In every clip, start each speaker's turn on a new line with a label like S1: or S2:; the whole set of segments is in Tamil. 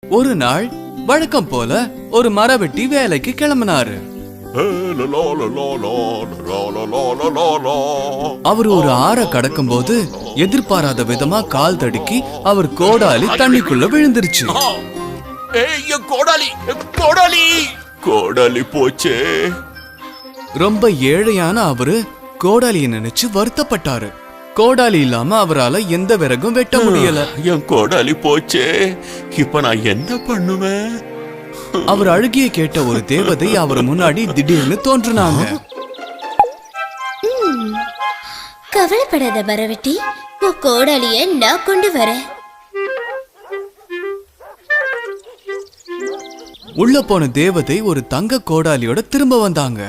S1: ஒரு நாள் வழக்கம் போல ஒரு மரவெட்டி வேலைக்கு கிளம்பினாரு. அவர் ஒரு ஆற கடக்கும் போது எதிர்பாராத விதமா கால் தடுக்கி அவர் கோடாலி தண்ணிக்குள்ள விழுந்துருச்சு.
S2: கோடாலி போச்சே.
S1: ரொம்ப ஏழையான அவரு கோடாலியை நினைச்சு வருத்தப்பட்டாரு. கோடாலி இல்லாம அவரால எந்த விறகும் வெட்ட முடியல.
S2: என் கோடாலி போச்சே, இப்ப நான் என்ன பண்ணுவேன்?
S1: அவர் அழுகிய கேட்ட ஒரு தேவதை அவர் முன்னாடி திடீர்னு தோன்றுனாங்க.
S3: கவலைப்படாத மரவெட்டி, உன் கோடாலிய நான் கொண்டு வரேன்.
S1: உள்ள போன தேவதை ஒரு தங்க கோடாலியோட திரும்ப வந்தாங்க.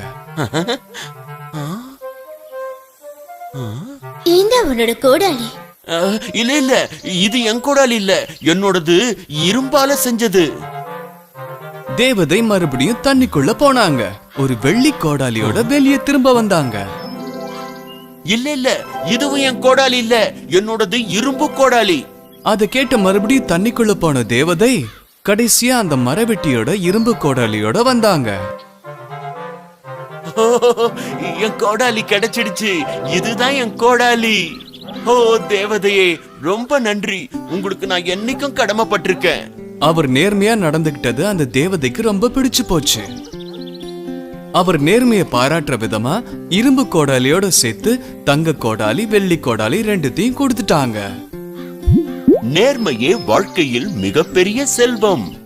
S3: இந்த உன்னோட கோடாலி.
S2: இல்ல இல்ல, இது என் கோடாலி இல்ல, என்னோடது இரும்பால செஞ்சது.
S1: தேவதை மறுபடியும் தண்ணிக்குள்ள போனாங்க. ஒரு வெள்ளி கோடாலியோட வெளியே திரும்ப வந்தாங்க.
S2: இல்ல இல்ல, இதுவும் என் கோடாலி இல்ல, என்னோடது இரும்பு கோடாலி.
S1: அதை கேட்ட மறுபடியும் தண்ணிக்குள்ள போன தேவதை கடைசியா அந்த மரவெட்டியோட இரும்பு கோடாலியோட வந்தாங்க.
S2: என் கோடாலி கிடைச்சிடுச்சு, இதுதான் என் கோடாலி. ஓ தேவதையே, ரொம்ப நன்றி, உங்களுக்கு நான் என்னைக்கும் கடமைப்பட்டிருக்கேன்.
S1: அவர் நேர்மையா நடந்துகிட்டது அந்த தேவதைக்கு ரொம்ப பிடிச்சு போச்சு. அவர் நேர்மையை பாராட்டுற விதமா இரும்பு கோடாலியோட சேர்த்து தங்க கோடாலி வெள்ளி கோடாலி ரெண்டுத்தையும் கொடுத்துட்டாங்க.
S2: நேர்மையே வாழ்க்கையில் மிகப்பெரிய செல்வம்.